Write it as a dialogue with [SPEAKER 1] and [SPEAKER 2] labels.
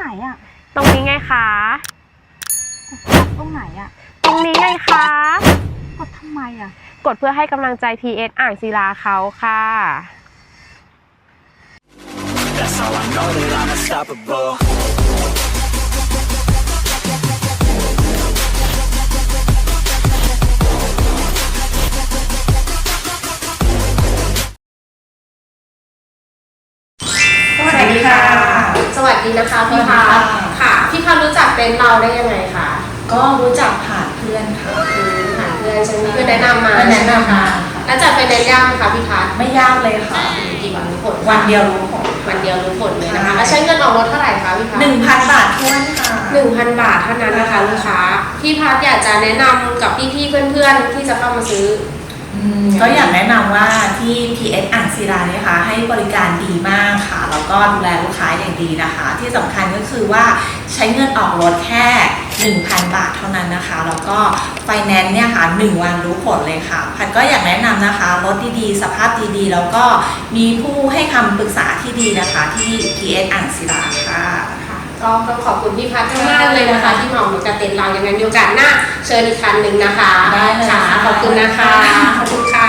[SPEAKER 1] นอ่ะ
[SPEAKER 2] ตรงนี้ไงคะ
[SPEAKER 1] ตรงไหนอ่ะ
[SPEAKER 2] ตรงนี้ไงคะ
[SPEAKER 1] กดทำไมอ่ะ
[SPEAKER 2] กดเพื่อให้กำลังใจ PS อ่างศิลาเขาค่ะ
[SPEAKER 3] That's how I know that I'm unstoppable.
[SPEAKER 4] สวัสดีค่ะ
[SPEAKER 2] สวัสดีนะคะพี่พัฒค่ะพี่พัฒรู้จักเต็นท์เราได้ยังไงคะ
[SPEAKER 4] ก็รู้จักผ่านเพื่อนค่ะ
[SPEAKER 2] ผ่านเพื่อนใช่ไหมเพื่อนแนะนำมา
[SPEAKER 4] แนะนำมา
[SPEAKER 2] แล้วจัดไฟแนนซ์ยากไหมคะพี่พัฒ
[SPEAKER 4] ไม่ยากเลยค่ะ
[SPEAKER 2] กี่วันรู้ผล
[SPEAKER 4] วันเดียวรู้ผล
[SPEAKER 2] วันเดียวรู้ผลเลยนะคะแล้วใช้เงินออกรถเท่าไหร่คะพี่พัฒ
[SPEAKER 4] 1,000 บาททวนค่ะ
[SPEAKER 2] 1,000 บาทเท่านั้นนะคะลูกค้าพี่พัฒอยากจะแนะนำกับพี่ๆเพื่อนๆที่จะเข้ามาซื้อ
[SPEAKER 4] ก็อยากแนะนำว่าที่ PS อ่างศิลาเนี่ยค่ะให้บริการดีมากค่ะแล้วก็ดูแลลูกค้าอย่างดีนะคะที่สำคัญก็คือว่าใช้เงินออกรถแค่ 1,000 บาทเท่านั้นนะคะแล้วก็ไฟแนนซ์เนี่ยค่ะ1 วันรู้ผลเลยค่ะพัดก็อยากแนะนำนะคะรถดีๆสภาพดีๆแล้วก็มีผู้ให้คำปรึกษาที่ดีนะคะที่ PS อ่างศิลาค่ะ
[SPEAKER 2] ก็ต้องขอบคุณพี่พัฒมากเลยนะคะที่มาออกกับเต็นท์เราอย่างนั้นมีโอกาสหน้าเชิญอีกครั้งหนึ่งนะคะ
[SPEAKER 4] ได้เลยค่ะ
[SPEAKER 2] ขอบคุณนะคะขอบคุณค่ะ